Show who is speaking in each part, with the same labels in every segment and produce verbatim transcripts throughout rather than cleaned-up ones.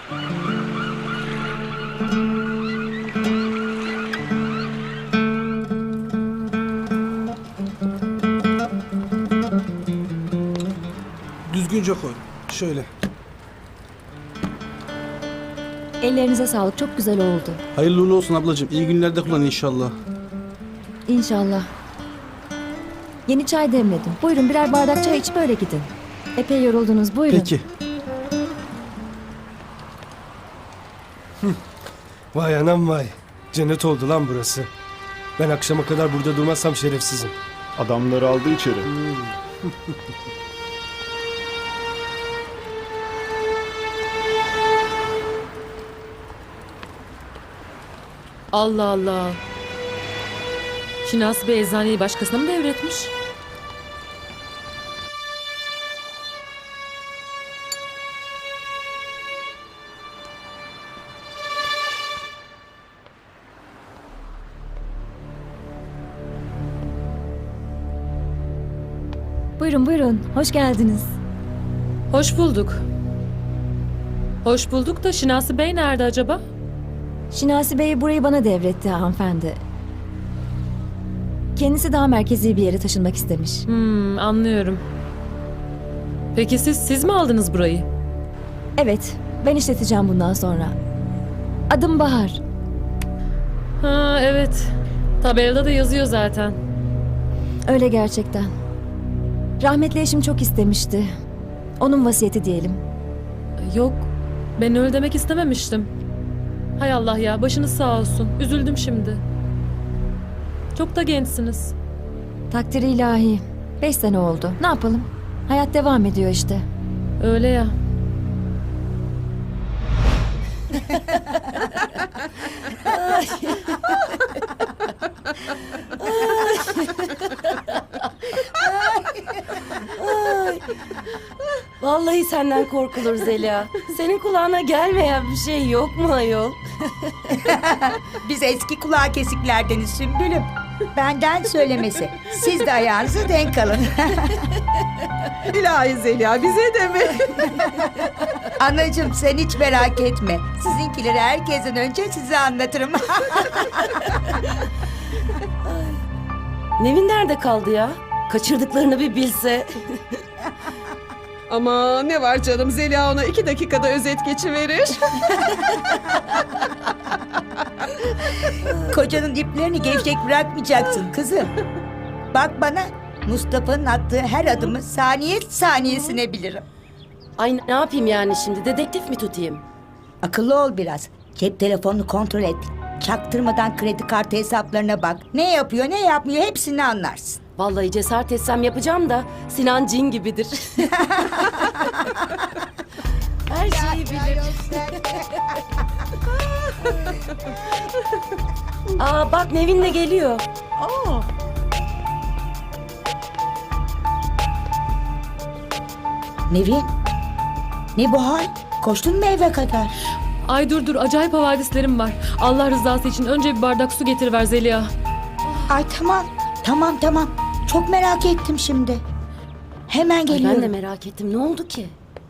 Speaker 1: Düzgünce koy. Şöyle.
Speaker 2: Ellerinize sağlık. Çok güzel oldu.
Speaker 1: Hayırlı uğurlu olsun ablacığım. İyi günlerde kullan inşallah.
Speaker 2: İnşallah. Yeni çay demledim. Buyurun birer bardak çay içip öyle gidin. Epey yoruldunuz. Buyurun.
Speaker 1: Peki.
Speaker 3: Vay anam vay. Cennet oldu lan burası. Ben akşama kadar burada durmazsam şerefsizim.
Speaker 4: Adamları aldı içeri.
Speaker 5: Allah Allah. Şinasi Bey eczaneyi başkasına mı devretmiş?
Speaker 2: Buyurun buyurun. Hoş geldiniz.
Speaker 5: Hoş bulduk. Hoş bulduk da Şinasi Bey nerede acaba?
Speaker 2: Şinasi Bey burayı bana devretti hanımefendi. Kendisi daha merkezi bir yere taşınmak istemiş.
Speaker 5: Hmm, anlıyorum. Peki siz, siz mi aldınız burayı?
Speaker 2: Evet, ben işleteceğim bundan sonra. Adım Bahar.
Speaker 5: Ha evet. Tabelada da yazıyor zaten.
Speaker 2: Öyle gerçekten. Rahmetli eşim çok istemişti. Onun vasiyeti diyelim.
Speaker 5: Yok, ben öyle demek istememiştim. Hay Allah ya, başınız sağ olsun. Üzüldüm şimdi. Çok da gençsiniz.
Speaker 2: Takdiri ilahi. Beş sene oldu. Ne yapalım? Hayat devam ediyor işte.
Speaker 5: Öyle ya.
Speaker 6: Vallahi senden korkulur Zeliha. Senin kulağına gelmeyen bir şey yok mu ayol?
Speaker 7: Biz eski kulağı kesiklerdeniz Sümbülüm. Benden söylemesi. Siz de ayağınızı denk alın.
Speaker 8: İlahi Zeliha bize de mi?
Speaker 7: Anacığım sen hiç merak etme. Sizinkileri herkesten önce size anlatırım.
Speaker 6: Nevin nerede kaldı ya? Kaçırdıklarını bir bilse.
Speaker 8: Ama ne var canım, Zeliha ona iki dakikada özet geçiverir.
Speaker 7: Kocanın iplerini gevşek bırakmayacaksın kızım. Bak bana, Mustafa'nın attığı her adımı saniye saniyesine bilirim.
Speaker 6: Ay ne yapayım yani şimdi? Dedektif mi tutayım?
Speaker 7: Akıllı ol biraz. Cep telefonunu kontrol et. Çaktırmadan kredi kartı hesaplarına bak. Ne yapıyor ne yapmıyor hepsini anlarsın.
Speaker 6: Vallahi cesaret etsem yapacağım da Sinan cin gibidir. Her şeyi bilir. Aa bak Nevin de geliyor.
Speaker 8: Aa,
Speaker 7: Nevin, ne bu hal? Koştun mu eve kadar?
Speaker 5: Ay dur dur, acayip havadislerim var. Allah rızası için önce bir bardak su getiriver Zeliha.
Speaker 7: Ay tamam, tamam tamam. Çok merak ettim şimdi. Hemen
Speaker 6: Ay,
Speaker 7: geliyorum.
Speaker 6: ben de merak ettim. Ne oldu ki?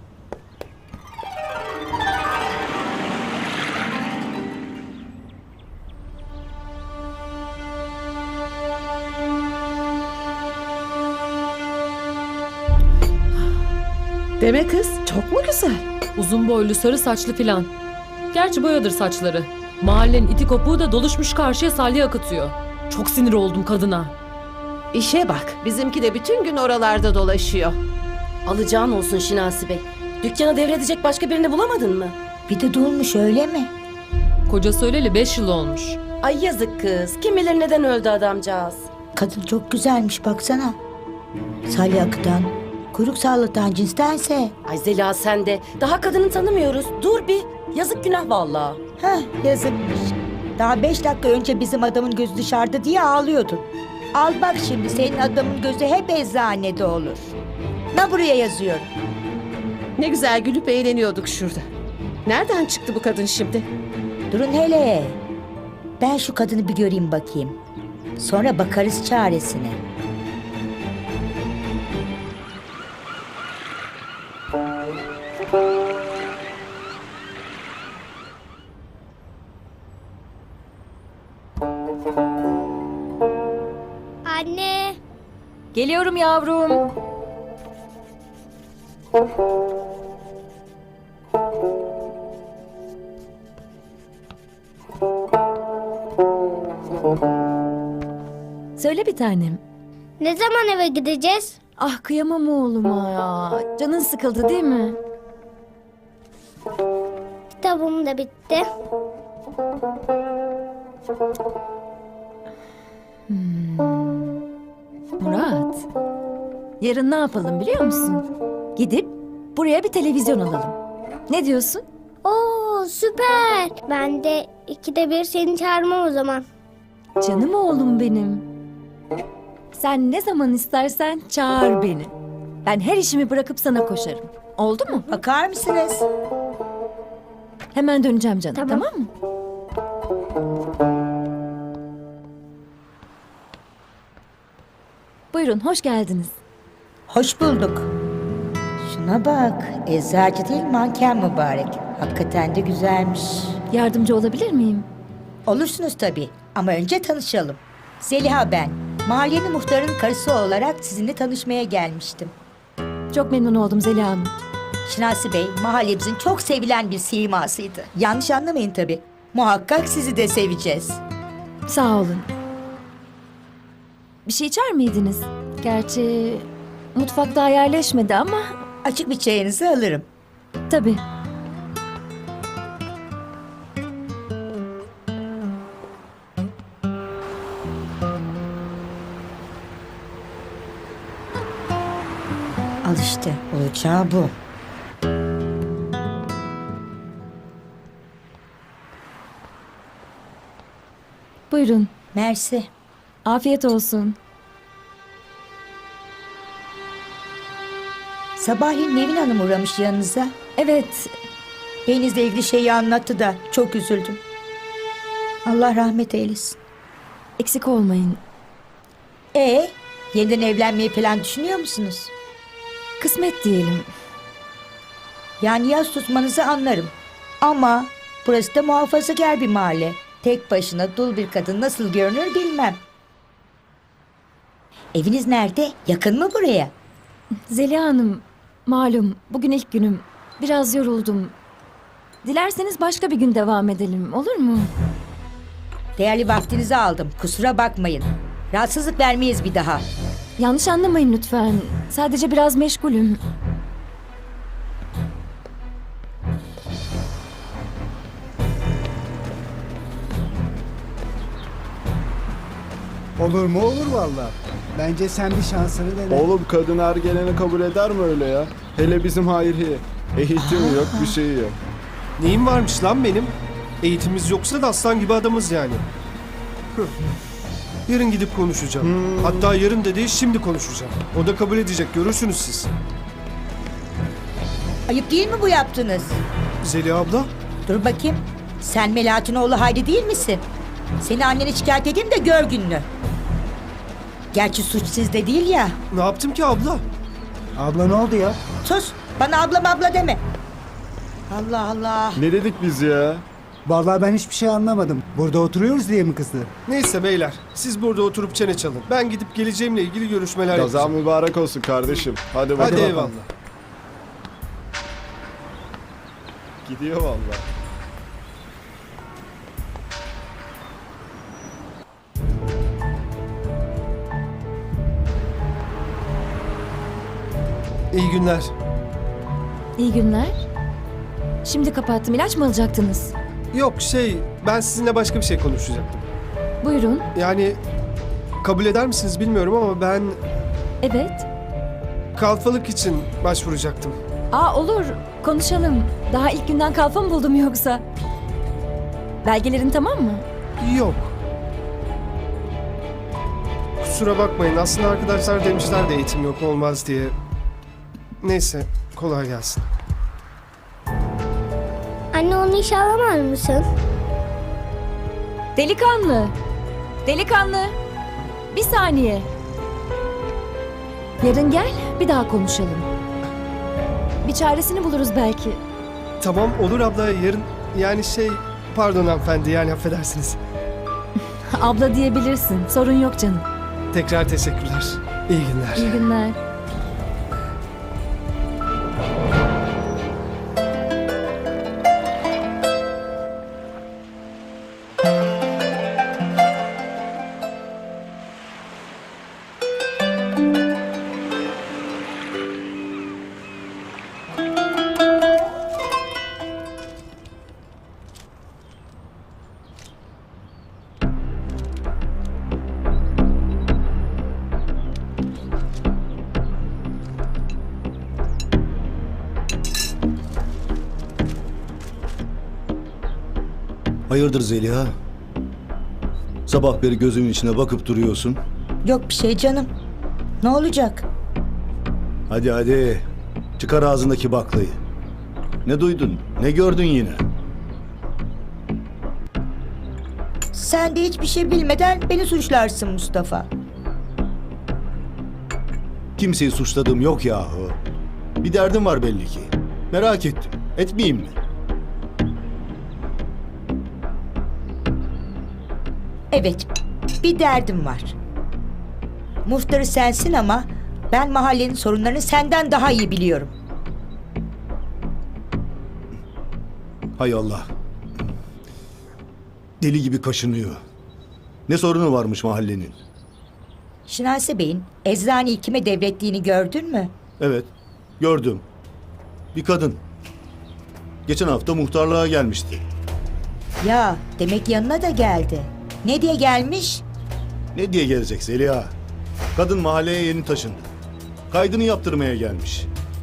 Speaker 8: deme kız, çok mu güzel?
Speaker 5: Uzun boylu, sarı saçlı filan. Gerçi boyadır saçları. Mahallenin iti kopuğu da doluşmuş karşıya salya akıtıyor. Çok sinir oldum kadına.
Speaker 8: İşe bak, bizimki de bütün gün oralarda dolaşıyor.
Speaker 6: Alacağın olsun Şinasi Bey. Dükkana devredecek başka birini bulamadın mı?
Speaker 7: Bir de dolmuş öyle mi?
Speaker 5: Kocası öleli beş yıl olmuş.
Speaker 6: Ay yazık kız. Kim bilir neden öldü adamcağız.
Speaker 7: Kadın çok güzelmiş baksana. Salya akıtan, kuyruk sallatan cinstense.
Speaker 6: Ay Zeliha sen de. Daha kadını tanımıyoruz. Dur bir. Yazık günah vallahi.
Speaker 7: Heh yazıkmış. Daha beş dakika önce bizim adamın gözü dışarıda diye ağlıyordun. Al bak şimdi senin adamın gözü hep eczanede olur. Ne buraya yazıyorum.
Speaker 8: Ne güzel gülüp eğleniyorduk şurada. Nereden çıktı bu kadın şimdi?
Speaker 7: Durun hele. Ben şu kadını bir göreyim bakayım. Sonra bakarız çaresine.
Speaker 2: Geliyorum yavrum. Söyle bir tanem.
Speaker 4: Ne zaman eve gideceğiz?
Speaker 2: Ah kıyamam oğluma ya. Canın sıkıldı değil mi?
Speaker 4: Kitabım da bitti.
Speaker 2: Murat. Yarın ne yapalım biliyor musun? Gidip buraya bir televizyon alalım. Ne diyorsun?
Speaker 4: Oo süper. Ben de ikide bir seni çağırmam o zaman.
Speaker 2: Canım oğlum benim. Sen ne zaman istersen çağır beni. Ben her işimi bırakıp sana koşarım. Oldu mu?
Speaker 7: Bakar mısınız?
Speaker 2: Hemen döneceğim canım.
Speaker 4: Tamam.
Speaker 2: Tamam mı? Buyurun, hoş geldiniz.
Speaker 7: Hoş bulduk. Şuna bak. Eczacı değil manken mübarek. Hakikaten de güzelmiş.
Speaker 2: Yardımcı olabilir miyim?
Speaker 7: Olursunuz tabii. Ama önce tanışalım. Zeliha ben. Mahallenin muhtarının karısı olarak sizinle tanışmaya gelmiştim.
Speaker 2: Çok memnun oldum Zeliha Hanım.
Speaker 7: Şinasi Bey mahallemizin çok sevilen bir simasıydı. Yanlış anlamayın tabii. Muhakkak sizi de seveceğiz.
Speaker 2: Sağ olun. Bir şey içer miydiniz? Gerçi mutfak daha yerleşmedi ama
Speaker 7: Açık bir çayınızı alırım.
Speaker 2: tabii.
Speaker 7: Al işte olacağı bu.
Speaker 2: Buyurun.
Speaker 7: Mersi.
Speaker 2: Afiyet olsun.
Speaker 7: Sabahleyin Nevin Hanım uğramış yanınıza.
Speaker 2: Evet,
Speaker 7: Beyinizle ilgili şeyi anlattı da çok üzüldüm. Allah rahmet eylesin.
Speaker 2: eksik olmayın.
Speaker 7: E yeniden evlenmeyi falan düşünüyor musunuz?
Speaker 2: Kısmet diyelim.
Speaker 7: Yani yaz tutmanızı anlarım. Ama burası da muhafazakar bir mahalle. Tek başına dul bir kadın nasıl görünür bilmem. Eviniz nerede? Yakın mı buraya?
Speaker 2: Zeliha Hanım, malum bugün ilk günüm. Biraz yoruldum. Dilerseniz başka bir gün devam edelim, olur mu?
Speaker 7: Değerli vaktinizi aldım. Kusura bakmayın. Rahatsızlık vermeyiz bir daha.
Speaker 2: Yanlış anlamayın lütfen. Sadece biraz meşgulüm.
Speaker 9: Olur mu olur valla. Bence sen bir şansını dene.
Speaker 10: Oğlum kadın her geleni kabul eder mi öyle ya? Hele bizim Hayriye. Eğitim yok, bir şey yok.
Speaker 3: Neyim varmış lan benim? Eğitimimiz yoksa da aslan gibi adamız yani. Hıh. Yarın gidip konuşacağım. Hatta yarın da değil şimdi konuşacağım. O da kabul edecek, görürsünüz siz.
Speaker 7: Ayıp değil mi bu yaptınız?
Speaker 3: Zeliha abla,
Speaker 7: Dur bakayım. Sen Melahat'in oğlu Hayri değil misin? Seni annene şikayet edeyim de gör gününü. Gerçi suç sizde değil ya.
Speaker 3: ne yaptım ki abla?
Speaker 9: Abla ne oldu ya?
Speaker 7: Sus. Bana ablam abla deme. Allah Allah.
Speaker 10: Ne dedik biz ya?
Speaker 9: Vallahi ben hiçbir şey anlamadım. Burada oturuyoruz diye mi kızdı?
Speaker 3: Neyse beyler, siz burada oturup çene çalın. Ben gidip geleceğimle ilgili görüşmeler
Speaker 10: Kazan
Speaker 3: yapacağım.
Speaker 10: mübarek olsun kardeşim. Hadi
Speaker 3: Hadi
Speaker 10: bakalım.
Speaker 3: eyvallah.
Speaker 10: Gidiyor vallahi.
Speaker 3: İyi günler.
Speaker 2: İyi günler. Şimdi kapattım. İlaç mı alacaktınız?
Speaker 3: Yok şey, ben sizinle başka bir şey konuşacaktım.
Speaker 2: Buyurun.
Speaker 3: Yani kabul eder misiniz bilmiyorum ama ben
Speaker 2: Evet.
Speaker 3: kalfalık için başvuracaktım.
Speaker 2: Aa olur. Konuşalım. Daha ilk günden kalfa mı buldum yoksa? Belgelerin tamam mı?
Speaker 3: Yok. Kusura bakmayın. Aslında arkadaşlar demişler de eğitim yok olmaz diye. Neyse, kolay gelsin.
Speaker 4: Anne onu işe alamaz mısın?
Speaker 2: Delikanlı. Delikanlı. Bir saniye. Yarın gel, bir daha konuşalım. Bir çaresini buluruz belki.
Speaker 3: Tamam olur abla, yarın yani şey, pardon hanımefendi, yani affedersiniz.
Speaker 2: Abla diyebilirsin. Sorun yok canım.
Speaker 3: Tekrar teşekkürler. İyi günler.
Speaker 2: İyi günler.
Speaker 11: Hayırdır Zeliha? Sabah beri gözümün içine bakıp duruyorsun.
Speaker 7: Yok bir şey canım. Ne olacak?
Speaker 11: Hadi hadi. Çıkar ağzındaki baklayı. Ne duydun? Ne gördün yine?
Speaker 7: Sen de hiçbir şey bilmeden beni suçlarsın Mustafa.
Speaker 11: Kimseyi suçladığım yok yahu. Bir derdim var belli ki. Merak ettim. Etmeyeyim mi?
Speaker 7: Evet, bir derdim var. Muhtarı sensin ama ben mahallenin sorunlarını senden daha iyi biliyorum.
Speaker 11: Hay Allah. Deli gibi kaşınıyor. Ne sorunu varmış mahallenin?
Speaker 7: Şinasi Bey'in eczaneyi kime devrettiğini gördün mü?
Speaker 11: Evet, gördüm. Bir kadın. Geçen hafta muhtarlığa gelmişti.
Speaker 7: Ya demek yanına da geldi. Ne diye gelmiş?
Speaker 11: Ne diye gelecek Zeliha? Kadın mahalleye yeni taşındı. Kaydını yaptırmaya gelmiş.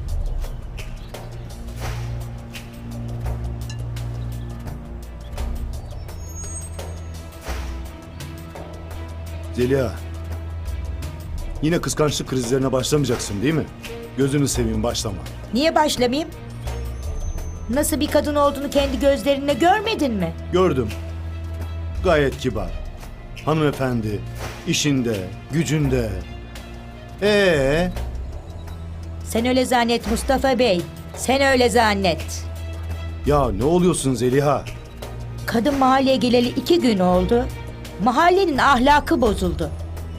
Speaker 11: Zeliha, yine kıskançlık krizlerine başlamayacaksın değil mi? Gözünü seveyim, başlama.
Speaker 7: Niye başlamayayım? Nasıl bir kadın olduğunu kendi gözlerinle görmedin mi?
Speaker 11: Gördüm. Gayet kibar. Hanımefendi, işinde, gücünde. Ee,
Speaker 7: Sen öyle zannet Mustafa Bey. Sen öyle zannet.
Speaker 11: ya ne oluyorsun Zeliha?
Speaker 7: Kadın mahalleye geleli iki gün oldu. Mahallenin ahlakı bozuldu.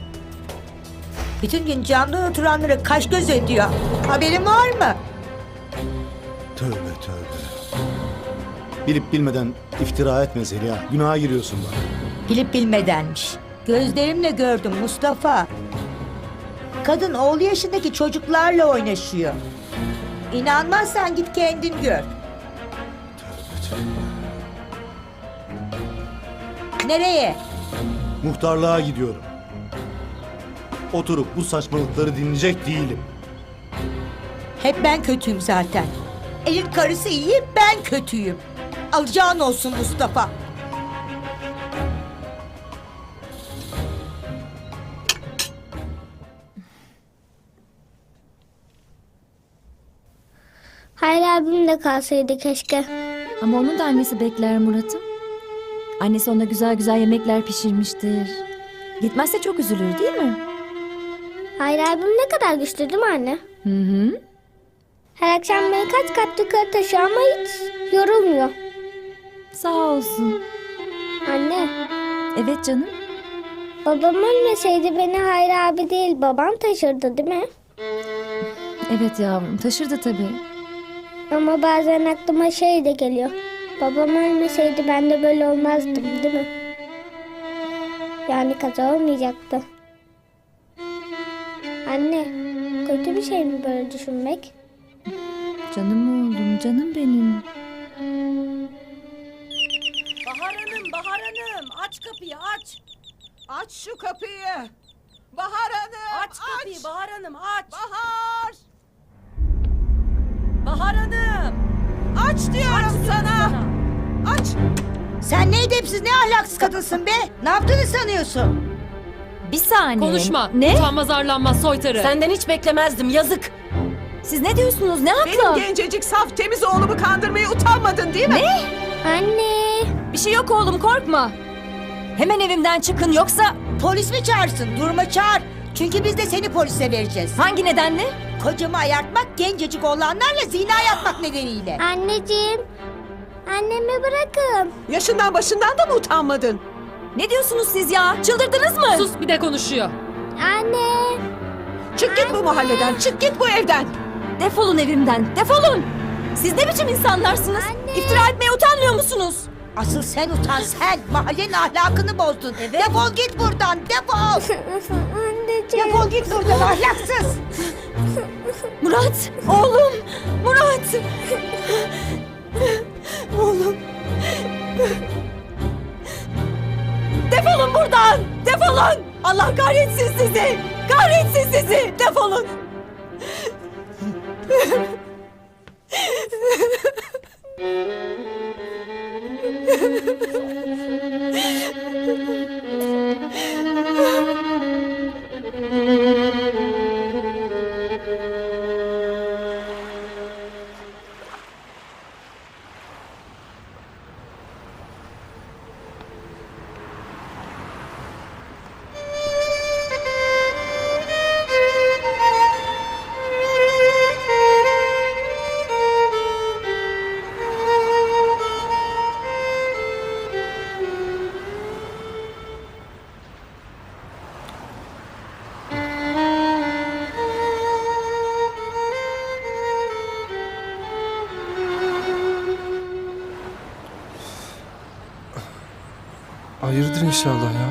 Speaker 7: Bütün gün camdan oturanları kaş göz ediyor. Haberin var mı?
Speaker 11: Tövbe tövbe. Bilip bilmeden iftira etme Zeliha. Günaha giriyorsun bak.
Speaker 7: Bilip bilmedenmiş. Gözlerimle gördüm Mustafa. Kadın oğlu yaşındaki çocuklarla oynaşıyor. İnanmazsan git kendin gör. Nereye?
Speaker 11: Muhtarlığa gidiyorum. Oturup bu saçmalıkları dinleyecek değilim.
Speaker 7: Hep ben kötüyüm zaten. Elin karısı iyi, ben kötüyüm. Alacağın olsun Mustafa.
Speaker 4: Hayır abim de kalsaydı keşke.
Speaker 2: Ama onun da annesi bekler Murat'ım. Annesi ona güzel güzel yemekler pişirmiştir. Gitmezse çok üzülür değil mi?
Speaker 4: Hayır abim ne kadar güçlü değil mi anne?
Speaker 2: Hı hı.
Speaker 4: Her akşam beni kaç kat yukarı taşıyor ama hiç yorulmuyor.
Speaker 2: Sağ olsun.
Speaker 4: Anne,
Speaker 2: Evet canım.
Speaker 4: babam ölmeseydi beni Hayır abi değil babam taşırdı değil mi?
Speaker 2: Evet yavrum, taşırdı tabii.
Speaker 4: Ama bazen aklıma şey de geliyor. Babam ölmeseydi ben de böyle olmazdım değil mi? Yani kaza olmayacaktı. Anne, kötü bir şey mi böyle düşünmek?
Speaker 2: Canım oğlum, canım benim.
Speaker 6: Bahar Hanım, Bahar Hanım aç kapıyı aç.
Speaker 8: Aç şu kapıyı. Bahar Hanım.
Speaker 6: Aç kapıyı Bahar Hanım aç.
Speaker 8: Bahar.
Speaker 6: Bahar Hanım.
Speaker 8: Aç diyorum sana. Aç.
Speaker 7: Sen ne edepsiz, ne ahlaksız kadınsın be? Ne yaptığını sanıyorsun?
Speaker 2: Bir saniye.
Speaker 5: Konuşma.
Speaker 2: Ne?
Speaker 5: Utanmaz arlanmaz soytarı.
Speaker 6: Senden hiç beklemezdim yazık.
Speaker 2: Siz ne diyorsunuz? Ne
Speaker 8: Benim
Speaker 2: hakla?
Speaker 8: gencecik saf temiz oğlumu kandırmaya utanmadın değil mi?
Speaker 2: Ne?
Speaker 4: Anne,
Speaker 2: Bir şey yok oğlum, korkma. Hemen evimden çıkın yoksa
Speaker 7: Polis mi çağırsın? Durma çağır. Çünkü biz de seni polise vereceğiz.
Speaker 2: hangi nedenle?
Speaker 7: Kocamı ayartmak, gencecik oğlanlarla zina yapmak nedeniyle.
Speaker 4: anneciğim. Annemi bırakın.
Speaker 8: Yaşından başından da mı utanmadın?
Speaker 2: Ne diyorsunuz siz ya? Çıldırdınız mı?
Speaker 5: Sus, bir de konuşuyor.
Speaker 4: Anne.
Speaker 7: Çık git bu mahalleden, çık git bu evden.
Speaker 2: Defolun evimden, defolun! Siz ne biçim insanlarsınız? İftira etmeye utanmıyor musunuz?
Speaker 7: Asıl sen utan sen. Mahallenin ahlakını bozdun. Defol git buradan, defol.
Speaker 4: Anneciğim.
Speaker 7: Defol git buradan ahlaksız.
Speaker 2: Murat, oğlum! Murat! Oğlum! Defolun buradan! Defolun! Allah kahretsin sizi! Kahretsin sizi! Defolun!
Speaker 3: Hayırdır inşallah ya.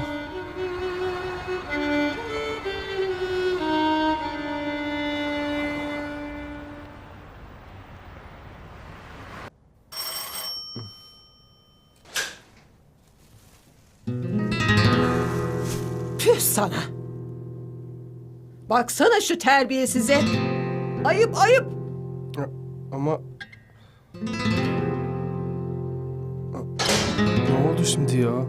Speaker 8: Püh sana. Baksana şu terbiyesize. Ayıp ayıp.
Speaker 3: Ama... Ne oldu şimdi ya?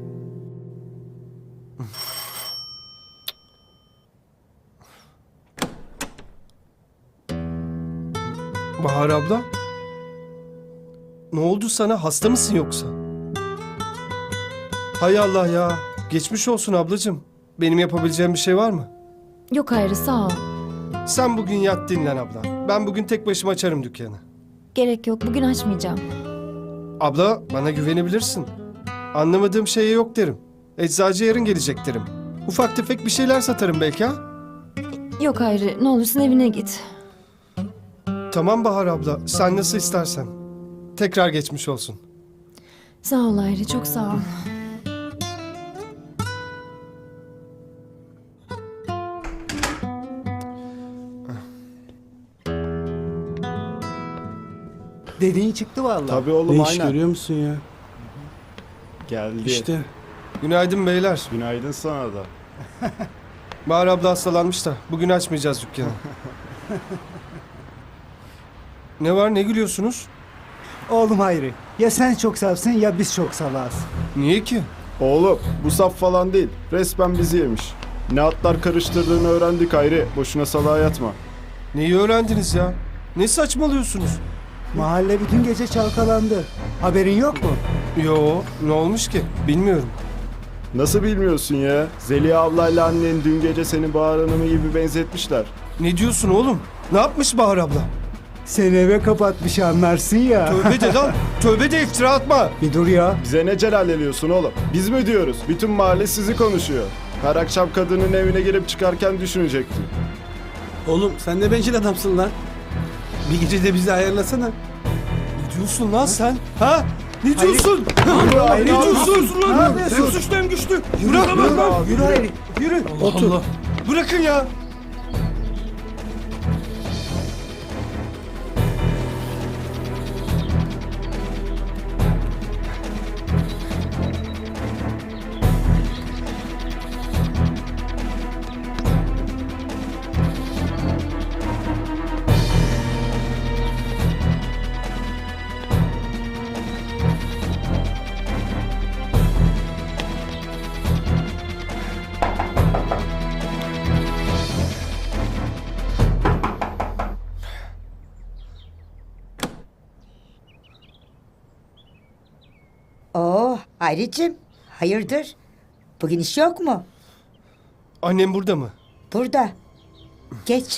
Speaker 3: Bahar abla? Ne oldu sana? Hasta mısın yoksa? Hay Allah ya. Geçmiş olsun ablacığım. Benim yapabileceğim bir şey var mı?
Speaker 2: Yok Hayri, sağ ol.
Speaker 3: Sen bugün yat dinlen abla. Ben bugün tek başıma açarım dükkanı.
Speaker 2: Gerek yok, bugün açmayacağım.
Speaker 3: Abla bana güvenebilirsin. Anlamadığım şeye yok derim. Eczacı yarın gelecek derim. Ufak tefek bir şeyler satarım belki ha?
Speaker 2: Yok Hayri, ne olursun evine git.
Speaker 3: Tamam Bahar abla, sen nasıl istersen. Tekrar geçmiş olsun.
Speaker 2: Sağ ol Hayri, çok sağ ol.
Speaker 9: Dediğin çıktı vallahi.
Speaker 10: Tabii oğlum
Speaker 1: Ne iş
Speaker 10: aynen.
Speaker 1: görüyor musun ya?
Speaker 10: Geldi.
Speaker 1: İşte.
Speaker 3: Günaydın beyler.
Speaker 10: Günaydın sana da.
Speaker 3: Bahar abla hastalanmış da bugün açmayacağız dükkanı. Ne var, ne gülüyorsunuz?
Speaker 9: Oğlum Hayri, ya sen çok safsın ya biz çok salağız.
Speaker 3: Niye ki?
Speaker 10: Oğlum bu saf falan değil. Resmen bizi yemiş. Ne atlar karıştırdığını öğrendik Hayri. Boşuna salağa yatma.
Speaker 3: Neyi öğrendiniz ya? Ne saçmalıyorsunuz?
Speaker 9: Mahalle bütün gece çalkalandı. Haberin yok mu?
Speaker 3: Yo, ne olmuş ki? Bilmiyorum.
Speaker 10: Nasıl bilmiyorsun ya? Zeliha ablayla annen dün gece seni Bahar Hanım'ı gibi benzetmişler.
Speaker 3: Ne diyorsun oğlum? Ne yapmış Bahar abla?
Speaker 9: Seni eve kapatmış anlarsın ya.
Speaker 3: Tövbe de lan, tövbe de iftira atma.
Speaker 9: Bir dur ya.
Speaker 10: Bize ne celalleniyorsun oğlum? Biz mi diyoruz? Bütün mahalle sizi konuşuyor. Her akşam kadının evine girip çıkarken düşünecekti.
Speaker 1: Oğlum sen ne bencil adamsın lan. Bir gece de bizi ayarlasana.
Speaker 3: Ne diyorsun lan sen? Ha? Ne diyorsun?
Speaker 9: Hayri,
Speaker 3: Ne diyorsun
Speaker 9: Ne
Speaker 3: lan?
Speaker 9: yapıyorsun?
Speaker 3: Hem suçlu hem güçlü. Bırak lan lan.
Speaker 9: Yürü Hayri, yürü.
Speaker 3: Allah Allah. Bırakın ya.
Speaker 7: Oo Hayricim, hayırdır? Bugün iş yok mu?
Speaker 3: Annem burada mı?
Speaker 7: Burada. Geç.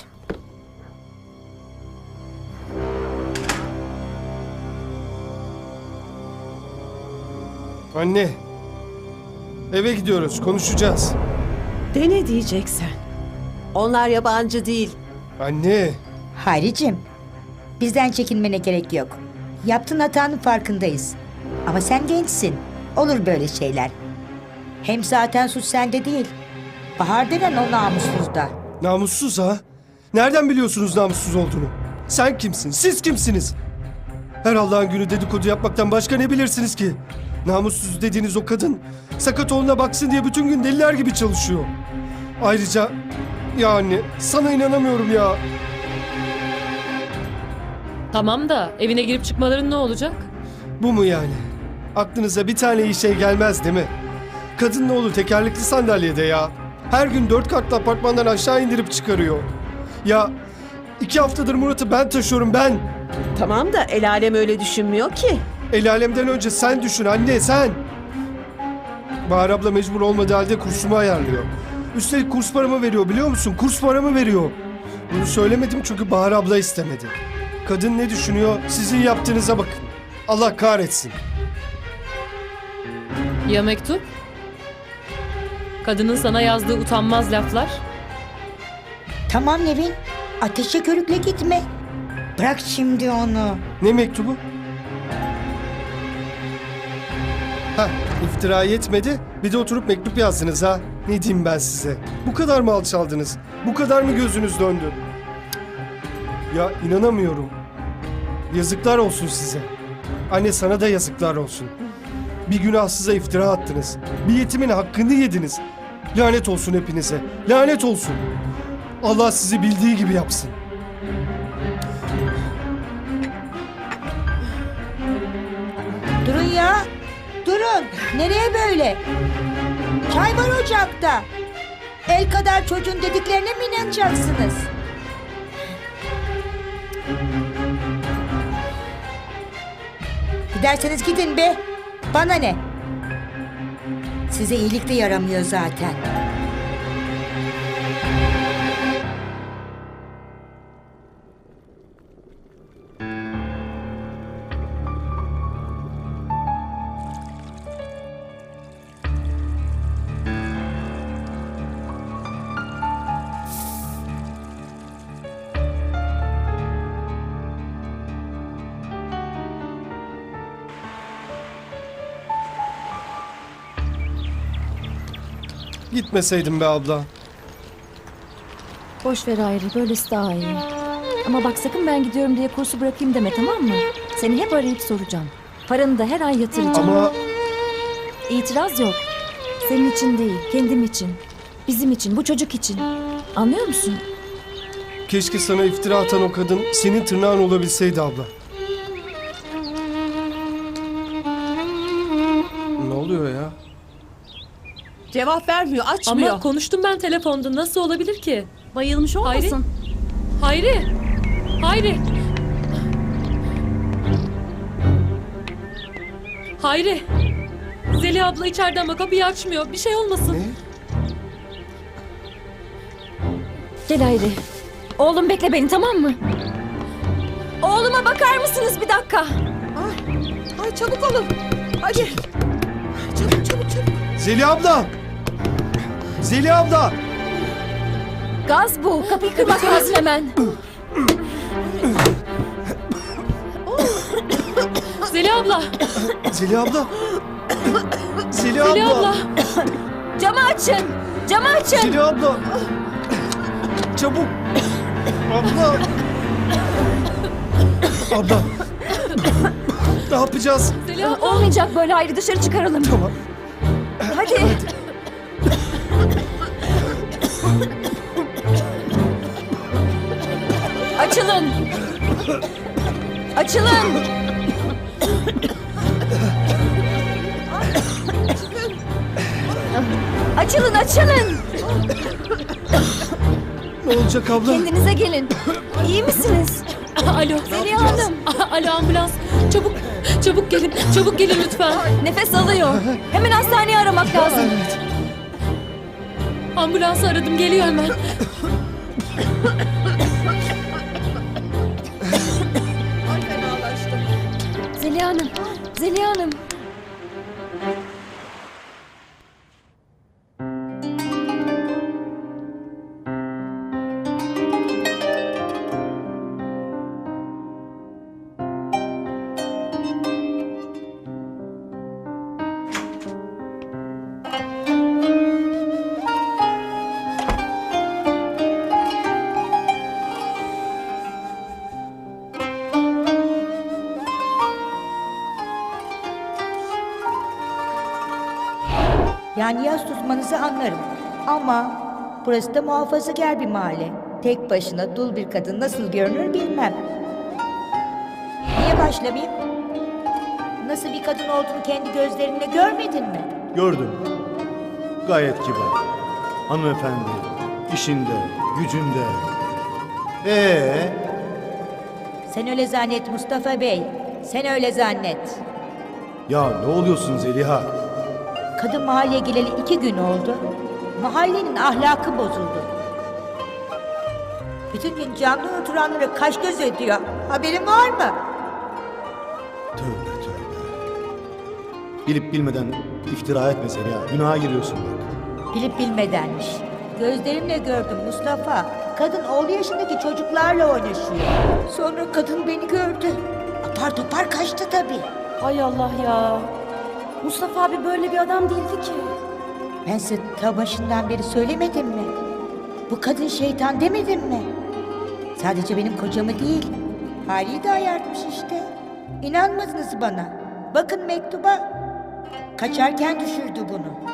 Speaker 3: Anne. Eve gidiyoruz, konuşacağız.
Speaker 8: De ne diyeceksen. Onlar yabancı değil.
Speaker 3: Anne.
Speaker 7: Hayricim, bizden çekinmene gerek yok. Yaptığın hatanın farkındayız. Ama sen gençsin. Olur böyle şeyler. Hem zaten suç sende değil. Bahar denen o namussuzda.
Speaker 3: Namussuz ha? Nereden biliyorsunuz namussuz olduğunu? Sen kimsin? Siz kimsiniz? Her Allah'ın günü dedikodu yapmaktan başka ne bilirsiniz ki? Namussuz dediğiniz o kadın sakat oğluna baksın diye bütün gün deliler gibi çalışıyor. Ayrıca ya anne sana inanamıyorum ya.
Speaker 5: Tamam da evine girip çıkmaların ne olacak?
Speaker 3: Bu mu yani? Aklınıza bir tane iyi şey gelmez değil mi? Kadın ne olur tekerlekli sandalyede ya. Her gün dört katlı apartmandan aşağı indirip çıkarıyor. Ya iki haftadır Murat'ı ben taşıyorum ben.
Speaker 8: Tamam da el alem öyle düşünmüyor ki.
Speaker 3: El alemden önce sen düşün anne sen. Bahar abla mecbur olmadığı halde kursumu ayarlıyor. Üstelik kurs paramı veriyor biliyor musun? Kurs paramı veriyor. Bunu söylemedim çünkü Bahar abla istemedi. Kadın ne düşünüyor? Sizin yaptığınıza bakın. Allah kahretsin.
Speaker 5: Ya mektup? Kadının sana yazdığı utanmaz laflar?
Speaker 7: Tamam Nevin, ateşe körükle gitme. Bırak şimdi onu.
Speaker 3: Ne mektubu? Ha, iftira yetmedi. Bir de oturup mektup yazdınız ha. Ne diyeyim ben size? Bu kadar mı alçaldınız? Bu kadar mı gözünüz döndü? Ya inanamıyorum. Yazıklar olsun size. Anne sana da yazıklar olsun. Bir günahsıza iftira attınız. Bir yetimin hakkını yediniz. Lanet olsun hepinize. Lanet olsun. Allah sizi bildiği gibi yapsın.
Speaker 7: Durun ya. Durun. Nereye böyle? Çay var ocakta. El kadar çocuğun dediklerine mi inanacaksınız? Giderseniz gidin be. Bana ne? Size iyilik de yaramıyor zaten.
Speaker 3: Gitmeseydim be abla.
Speaker 2: Boş ver Hayri, böylesi daha iyi. Ama bak sakın ben gidiyorum diye kursu bırakayım deme, tamam mı? Seni hep arayıp soracağım. Paranı da her ay yatıracağım.
Speaker 3: Ama
Speaker 2: İtiraz yok. Senin için değil, kendim için. Bizim için, bu çocuk için. Anlıyor musun?
Speaker 3: keşke sana iftira atan o kadın senin tırnağın olabilseydi abla. Ne oluyor ya?
Speaker 8: Cevap vermiyor, açmıyor.
Speaker 5: Ama konuştum ben telefonda. Nasıl olabilir ki?
Speaker 6: Bayılmış olmasın?
Speaker 5: Hayri. Hayri. Hayri. Zeliha abla içeride ama kapıyı açmıyor. Bir şey olmasın.
Speaker 3: Ne?
Speaker 2: Gel Hayri. Oğlum bekle beni, tamam mı? Oğluma bakar mısınız bir dakika?
Speaker 8: Ay, ay çabuk olun. Hadi. Çabuk çabuk çabuk.
Speaker 3: Zeliha abla! Zeliha abla!
Speaker 2: Gaz bu. Kapıyı kırmak lazım hemen.
Speaker 5: Zeliha abla.
Speaker 3: Zeliha abla! Zeliha
Speaker 5: Zeliha
Speaker 3: abla!
Speaker 5: abla.
Speaker 2: Camı açın. Camı açın.
Speaker 3: Zeliha abla! Çabuk! Abla! Abla! Ne yapacağız?
Speaker 5: Zeliha abla.
Speaker 2: Olmayacak böyle, Hayri, dışarı çıkaralım.
Speaker 3: Tamam.
Speaker 2: Hadi. Açılın. Açılın. Açılın, açılın.
Speaker 3: Ne olacak abla?
Speaker 2: Kendinize gelin. İyi misiniz?
Speaker 5: Alo.
Speaker 2: Zeliha Hanım.
Speaker 5: Alo ambulans. Çabuk. Çabuk gelin. Çabuk gelin lütfen.
Speaker 2: Nefes alıyor. Hemen hastaneyi aramak lazım.
Speaker 5: Ambulansı aradım. Geliyor hemen.
Speaker 8: Ay fenalaştım.
Speaker 2: Zeliha Hanım. Zeliha Hanım.
Speaker 7: Yani yas tutmanızı anlarım. Ama burası da muhafazakar bir mahalle. Tek başına dul bir kadın nasıl görünür bilmem. Niye başlamayayım? Nasıl bir kadın olduğunu kendi gözlerinle görmedin mi?
Speaker 11: Gördüm. Gayet kibar. Hanımefendi. işinde, gücünde. Ee,
Speaker 7: Sen öyle zannet Mustafa Bey. Sen öyle zannet.
Speaker 11: ya ne oluyorsun Zeliha?
Speaker 7: Kadın mahalleye geleli iki gün oldu. Mahallenin ahlakı bozuldu. Bütün gün camdan oturanlara kaş göz ediyor. Haberin var mı?
Speaker 11: Tövbe tövbe. Bilip bilmeden iftira etme Zeliha. Günaha giriyorsun bak.
Speaker 7: Bilip bilmedenmiş. Gözlerimle gördüm Mustafa. Kadın oğlu yaşındaki çocuklarla oynaşıyor. Sonra kadın beni gördü. Apar topar kaçtı tabii.
Speaker 6: Hay Allah ya. Mustafa abi böyle bir adam değildi ki.
Speaker 7: Ben size ta başından beri söylemedim mi? Bu kadın şeytan demedim mi? Sadece benim kocamı değil, Hali'yi de ayartmış işte. İnanmadınız bana. Bakın mektuba. Kaçarken düşürdü bunu.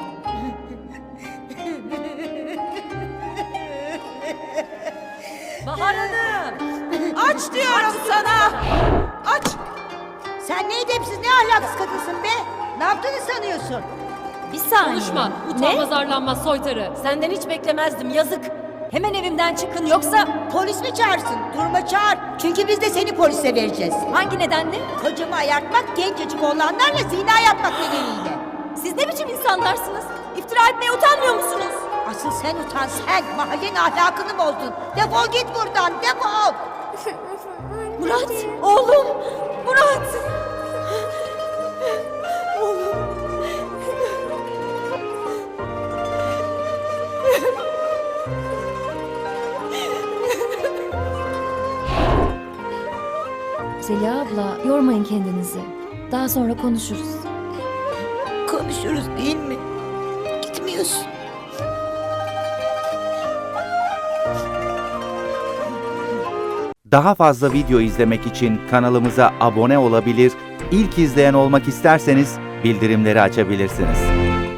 Speaker 6: Bahar Hanım.
Speaker 7: Aç diyorum sana! Aç! Sen ne edepsiz, ne ahlaksız kadınsın be! Ne yaptığını sanıyorsun?
Speaker 2: Bir saniye.
Speaker 5: Konuşma. Utanmaz arlanmaz soytarı.
Speaker 6: Senden hiç beklemezdim, yazık.
Speaker 2: Hemen evimden çıkın yoksa
Speaker 7: Polis mi çağırsın? Durma çağır. Çünkü biz de seni polise vereceğiz.
Speaker 2: hangi nedenle?
Speaker 7: Kocamı ayartmak, gencecik oğlanlarla zina yapmak nedeniyle.
Speaker 2: Siz ne biçim insanlarsınız? İftira etmeye utanmıyor musunuz?
Speaker 7: Asıl sen utan sen. Mahallenin ahlakını bozdun. Defol git buradan, defol.
Speaker 2: Murat, oğlum, Murat. Zeliha abla, yormayın kendinizi. Daha sonra konuşuruz.
Speaker 7: Konuşuruz değil mi? Gitmiyorsun.
Speaker 12: Daha fazla video izlemek için kanalımıza abone olabilir, ilk izleyen olmak isterseniz bildirimleri açabilirsiniz.